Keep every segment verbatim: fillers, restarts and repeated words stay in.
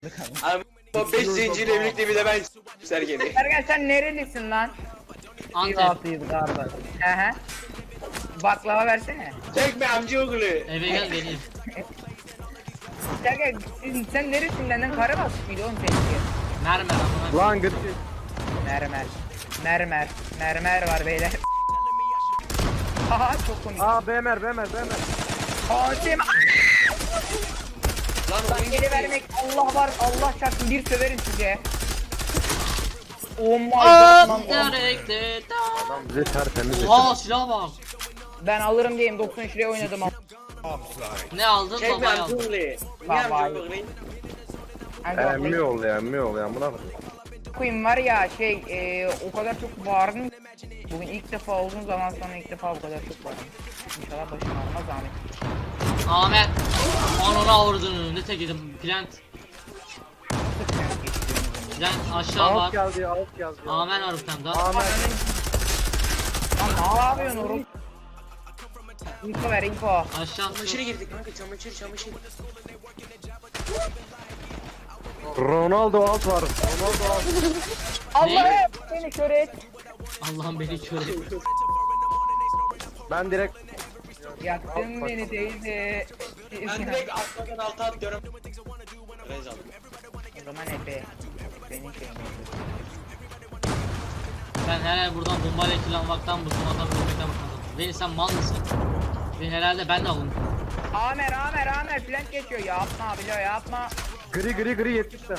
Abi o beş zincirle birlikte bir de ben Sergen'i. Sergen sen nerelisin lan? Antep. Sivas'ıyız galiba. Hehe. Baklava versene. Çekme amcaoğlu. Eve gel vereyim. Sergen sen, sen neresinden lan? Karabas mıydı oğlum seninki? Mermer amına. Lan gırt. Mermer. Mermer. Mermer var beyler. Haha çok komik. Aa bemer bemer bemer. Hatim. Lan Lan oyun geri gitti. vermek Allah var Allah çarpsın bir söverim size. Oh my Aa, god man. gerekti. Adam bize tertemiz. Oha silah bak. Ben alırım diyeyim doksan üç liraya oynadım. Ne aldın? Çekme Babayı aldın. amcaoğlu. Niye Baba. amcaoğlu? Emmi ol ya emmi ol ya buna bak. Koyayım var ya şey e, o kadar çok bağırdım. Bugün ilk defa uzun zaman sonra ilk defa bu kadar çok bağırdım. İnşallah başım ağrımaz Ahmet. Ahmet. Ananı avradını. Ne tek yedim. Plant. Plant aşağı Out bak. geldi out geldi. Amen var bir tane daha. Ahmet. Lan ne yapıyorsun oğlum? Info ver info. Aşağı. Çamaşıra girdik kanka çamaşır çamaşır. Ronaldo out var. Ronaldo out. Allah'ım beni kör et. Allah'ım beni kör et. Ben direkt Yaktın beni teyze. Ben direkt arkadan alta atlıyorum. Rezal. O zaman Efe. Benim şeyim. Ben herhalde buradan bombayla killanmaktan bıktım, adam vurmaktan bıktım. Beni sen mal mısın? Beni herhalde ben de alın. Amer Amer Amer plant geçiyor yapma bilo yapma. gri gri gri yetmişler.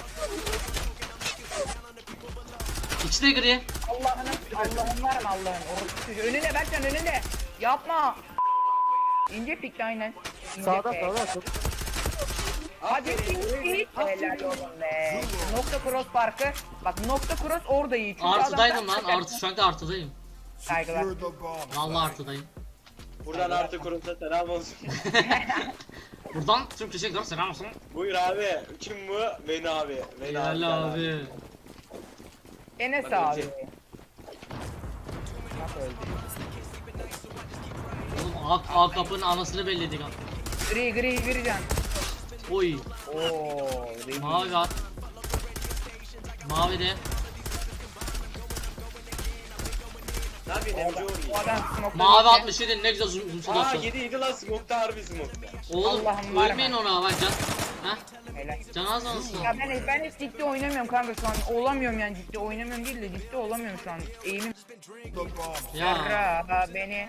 İkisi de gri. Allah'ın Allah'ın var mı Allah'ın? Orası çocuğu. Önüne Berkcan önüne. Yapma. İnce pikti aynen. İnce Sağda pik. sağda sağda. Hadi ince. Helal olsun be. Nokta cross farkı. Bak nokta cross orada iyi. Çünkü Artıdaydım adam- lan. Artı şu anda artıdayım. Saygılar. Vallahi artıdayım. Buradan artı kurumsa selam olsun. Buradan tüm teşekkürler selam olsun. Buyur abi. Kim bu? Beni abi. Beni Helal abi. Enes Bak abi. önce. Bak öldü. Oğlum A, A kapının anasını belledik abi. Gri gri gri can. Oy. Ooo. Mavi var. Mavi de. Ne yapıyorsun amcaoğlu? Bu adam smoke'da Mavi yedi. altmış yedi ne güzel zoom zoom Aa zoom. yedi yedi lan smoke'ta harbi smoke'ta. Oğlum Allah'ım var ölmeyin mı? ona bak can. Heh. Helal. Can az olsun. Ya ben ben hiç ciddi oynamıyorum kanka şu an. Olamıyorum yani ciddi oynamıyorum değil de ciddi olamıyorum şu an. Eğimim Ya. Yarra beni.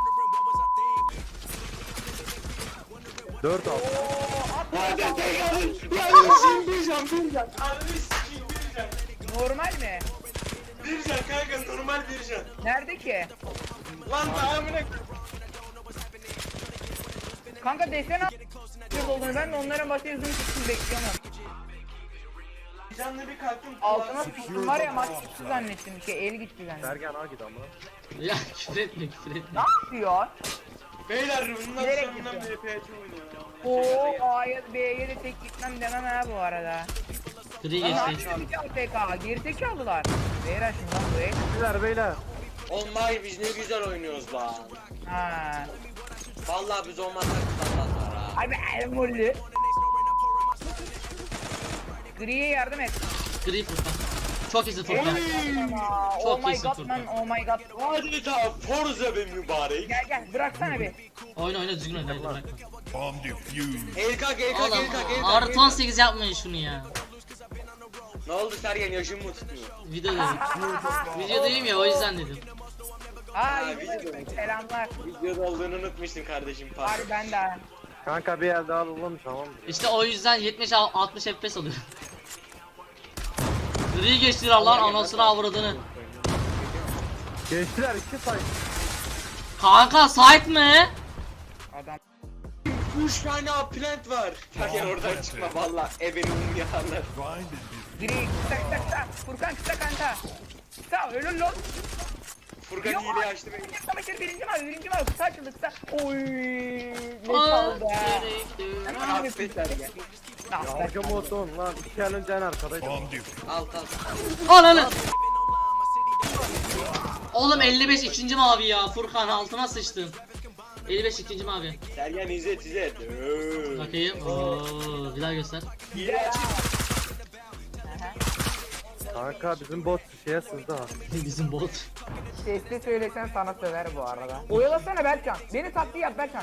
dört out. Oo at Hadi at, at. hadi. Ya şimdi bir can bir can. Harbi sikiyim bir can. Normal mi? Bir can kanka normal bir can. Nerede ki? Lan tamamına. Kanka desene a- olduğunu ben de onların başka yüzünü tutsun bekliyorum. Canlı bir kalktım. Altına sıçtım var ya maç gitti zannettim. Şey el gitti zannettim. Sergen al git ama. Ya küfür etme küfür etme. Ne yapıyor? Beyler bundan Nereye sonundan gidiyor? B P H oynuyor. Oo A'ya B'ye de tek gitmem demem ha bu arada. Gri Lan ne geçti. yapıyor bir A F K? Gerizekalılar. Beyler şundan buraya. Beyler beyler. Olmay biz ne güzel oynuyoruz lan. Ha. Vallahi biz olmazsak tutamazlar ha. Ay be elmolli. Gri'ye yardım et. Gri Furkan. Çok iyisin Furkan. Aa, Çok oh my iyisin god Furkan. man, oh my god. Adeta Forza be mübarek. Gel gel bıraksana bir. Oyna oyna düzgün oyna. Hadi bırak. Bomb defused. El kalk el kalk Oğlum el kalk el kalk. artı on sekiz yapmayın şunu ya. Ne oldu Sergen yaşın mı tutuyor? Videoda. Videodayım ya o yüzden dedim. Aa Ha, yüzüme video mu? selamlar. Videoda olduğunu unutmuştum kardeşim pardon. Bari ben de. Kanka bir el daha alalım tamam. İşte o yüzden yetmiş altmış F P S alıyor. Gri geçtiler Allah'ın anasını avradını. Geçtiler iki say. Kanka sahip mi? Adam. Üç tane plant var. Sergen oradan çıkma valla ebenin um yakarlar. Find and Gri kısa kısa kısa. Furkan kısa kanka. Kısa ölür lan. Furkan Yok, hile açtı beni. Savaşır birinci mavi birinci mavi kısa açıldı kısa. Oy. Ne Aa, çaldı ha. gerekti. Hemen bir Affet Sergen. Ah, Arka moton lan. İki el önce en arkadaydı. bomb defused. Alt alt. Ananı. Oğlum elli beş ikinci mavi ya Furkan altına sıçtın. elli beş ikinci mavi. Sergen izlet izlet. Öööö. Bakayım. Oo, bir daha göster. Hile açık. Kanka bizim bot şeye sızdı ha. Bizim bot. Sesli söylesen sana söver bu arada. Oyalasana Berkcan. Beni taktiği yap Berkcan.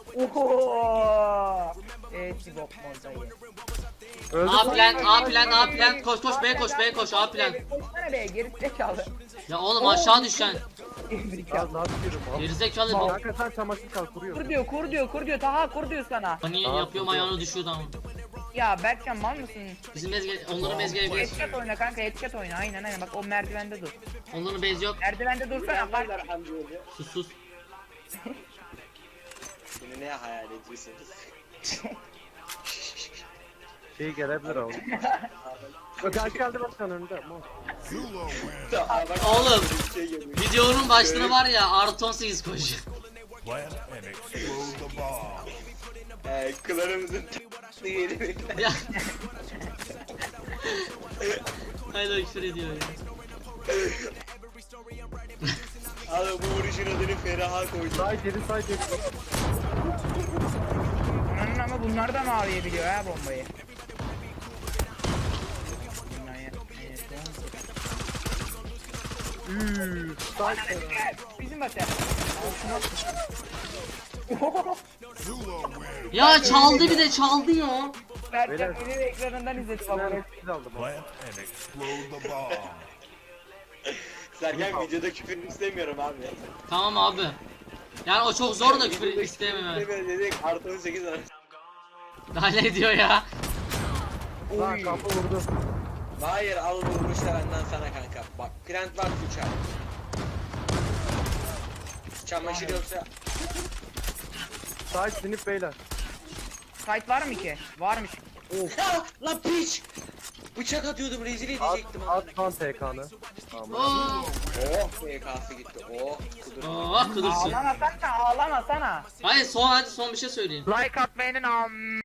Oho. Evet Sibop mozdayı. Öldü A lan. plan, A plan, A plan. Koş koş B koş B koş A plan. Koşsana be geri zekalı. Ya oğlum aşağı düşen. Ya ne yapıyorum abi? Gerizekalı bu. Kanka sen çamaşır kal Kur kuruyorsun. diyor kur diyor kur diyor Taha kur diyor sana. Hani Tamam, yapıyorum ayağını düşüyordu ama. Ya Berkcan mal mısın? Bizim mezge, onların mezgeye geç. Headshot oyna kanka headshot oyna aynen aynen bak o merdivende dur. Onların bez yok. Merdivende dursana bak. Yaparlar Hamdi öyle. Sus sus. Şimdi ne hayal ediyorsunuz? Şey gelebilir abi. Özel geldi bak sen önünde. Mal. Aa, bak, Oğlum. bir şey geliyor. Videonun başlığı var ya artı on sekiz koş. Plant and explode the bomb. Ee, klanımızın diyelim. Ya. Hala küfür ediyor ya. Abi bu vuruşun adını Feraha koydu. Say geri say geri. Ananın ama bunlar da maviye biliyor ha bombayı. Üüüü. Say Bizim bater. Zula win. Ya çaldı bir de çaldı ya. Berkcan benim ekranından izledi bak. Ben hepsini aldım. Plant and explode the bomb. Sergen videoda küfür istemiyorum abi. Tamam abi. Yani o çok zor da küfür Videoda istemem ben. istemiyorum dedik artı on sekiz var. Daha ne diyor ya? Lan kapı vurdu. Hayır al bu vuruşla benden sana kanka. Bak plant var uçar. Çamaşır yoksa Say sinip beyler. Site var mı ki? Varmış. ah, lan piç! Bıçak atıyordum rezil At, edecektim. at lan T K'nı. Tamam. Oo. Oh P K'sı gitti. Oh kudur. Oh kılırsın. Ağlamasana ağlamasana. Hayır son hadi son bir şey söyleyin. Like atmayın am.